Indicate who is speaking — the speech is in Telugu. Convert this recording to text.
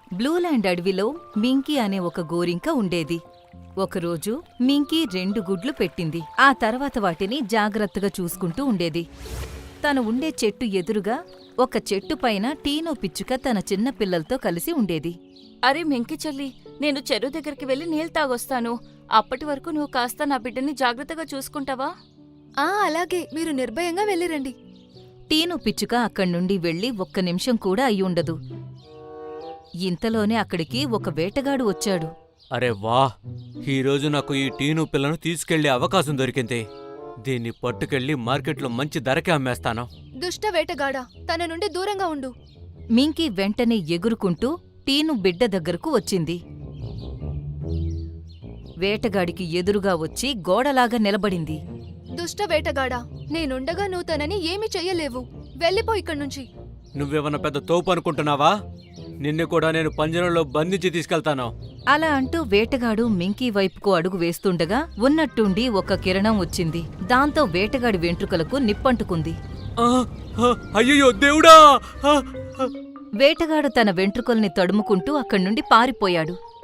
Speaker 1: బ్లూల్యాండ్ అడవిలో మింకీ అనే ఒక గోరింక ఉండేది. ఒకరోజు మింకీ 2 గుడ్లు పెట్టింది. ఆ తర్వాత వాటిని జాగ్రత్తగా చూసుకుంటూ ఉండేది. తను ఉండే చెట్టు ఎదురుగా ఒక చెట్టు పైన టీనో పిచ్చుక తన చిన్న పిల్లలతో కలిసి ఉండేది.
Speaker 2: అరే మింకి చెల్లి, నేను చెరువు దగ్గరికి వెళ్ళి నీళ్ళు తాగొస్తాను. అప్పటి వరకు నువ్వు కాస్త నా బిడ్డని జాగ్రత్తగా చూసుకుంటావా?
Speaker 3: అలాగే, మీరు నిర్భయంగా వెళ్ళిరండి.
Speaker 1: టీను పిచ్చుక అక్కడ్నుండి వెళ్లి 1 నిమిషం కూడా అయ్యుండదు. ఇంతలోనే అక్కడికి ఒక వేటగాడు వచ్చాడు.
Speaker 4: అరే వా! ఈరోజు నాకు ఈ టీను పిల్లను తీసుకెళ్లే అవకాశం దొరికింది. దీన్ని పట్టుకెళ్లి మార్కెట్లో మంచి ధరకే అమ్మేస్తాను.
Speaker 3: దుష్ట వేటగాడా, తన నుండి దూరంగా ఉండు.
Speaker 1: మింకీ వెంటనే ఎగురుకుంటూ టీను బిడ్డ దగ్గరకు వచ్చింది. వేటగాడికి ఎదురుగా వచ్చి గోడలాగా నిలబడింది.
Speaker 3: దుష్ట వేటగాడా, నేనుండగా నువ్వు తనని ఏమీ చెయ్యలేవు. వెళ్ళిపో ఇక్కడ్నుంచి.
Speaker 4: నువ్వేమన్నా పెద్ద తోపు అనుకుంటున్నావా? నిన్ను కూడా నేను పంజరంలో బంధించి తీసుకెళ్తాను.
Speaker 1: అలా అంటూ వేటగాడు మింకీ వైపుకు అడుగు వేస్తుండగా ఉన్నట్టుండి ఒక కిరణం వచ్చింది. దాంతో వేటగాడి వెంట్రుకలకు నిప్పంటుకుంది.
Speaker 4: అయ్యో దేవుడా!
Speaker 1: వేటగాడు తన వెంట్రుకల్ని తడుముకుంటూ అక్కడ్నుండి పారిపోయాడు.